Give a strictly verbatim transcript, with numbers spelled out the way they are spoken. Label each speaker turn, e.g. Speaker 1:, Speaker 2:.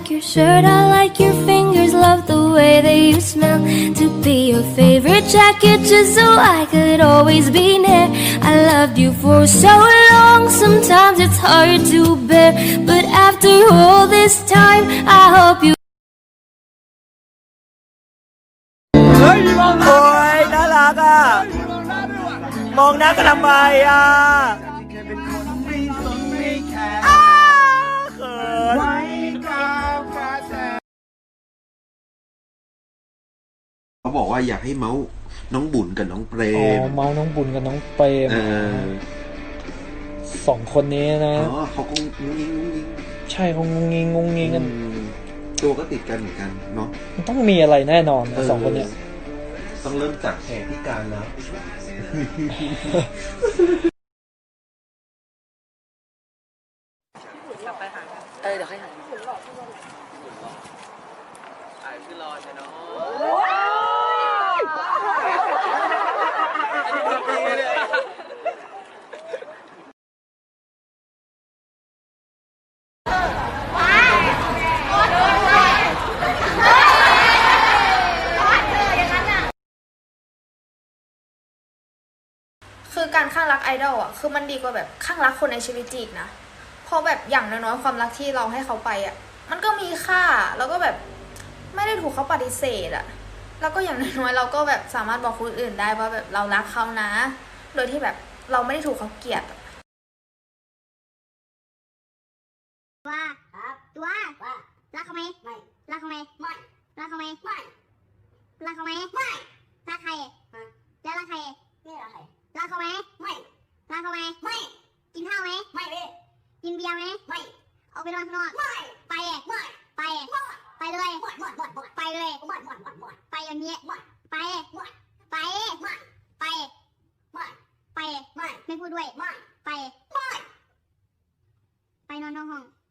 Speaker 1: like your shirt, I like your fingers, love the way that you smell. To be your favorite jacket just so I could always be near. I loved you for so long, sometimes it's hard to bear. But after all this time, I hope you
Speaker 2: โอ้ยน่ารักอ่ะมองหน้ากันทำไมอ่ะอ้าเขิน
Speaker 3: เขาบอกว่าอยากให้เมาส์น้องบุญกับน้องเปร
Speaker 4: อ๋อ
Speaker 3: ม
Speaker 4: เมาน้องบุญกับน้องเปรม
Speaker 3: เออ
Speaker 4: สองคนนี้นะ
Speaker 3: อ๋อเขาคงงุ้งงิ้งงุ้งงิ้ง
Speaker 4: ใช่คงงงงิงงงงิงกัน
Speaker 3: อืมตัวก็ติดกันเหมือนกันเนาะ
Speaker 4: มันต้องมีอะไรแน่นอนนะสองคนเนี้ย
Speaker 3: ต้องเริ่มจากแผลที่การแล้ว
Speaker 5: เออเดี๋ยวค่อยหาถ่ายขึ้นรอใช่เนา
Speaker 6: คือการข้างรักไอดอลอ่ะคือมันดีกว่าแบบข้างรักคนในชีวิตจริงนะเพราะแบบอย่างน้อยๆความรักที่เราให้เขาไปอ่ะมันก็มีค่าแล้วก็แบบไม่ได้ถูกเขาปฏิเสธอ่ะแล้วก็อย่างน้อยๆเราก็แบบสามารถบอกคนอื่นได้ว่าแบบเรารักเขานะโดยที่แบบเราไม่ได้ถูกเขาเกลียด
Speaker 7: ว่าครับตัวว่ารักเขาไหมไม่รักเขาไหมไม่รักเขาไหมไม่รักเขาไหมไม่รักใครแล้วรักใครไม่รักใครรักเขาไหมไม่รักเขาไหมไม่กินข้าวไหมไม่เลยกินเบียร์ไหมไม่ออกไปนอนข้างนอกไม่ไปไม่ไปไปเลยไปเลยไปอย่างนี้ไปไปไปไปไม่พูดด้วยไปไปนอนนอกห้อง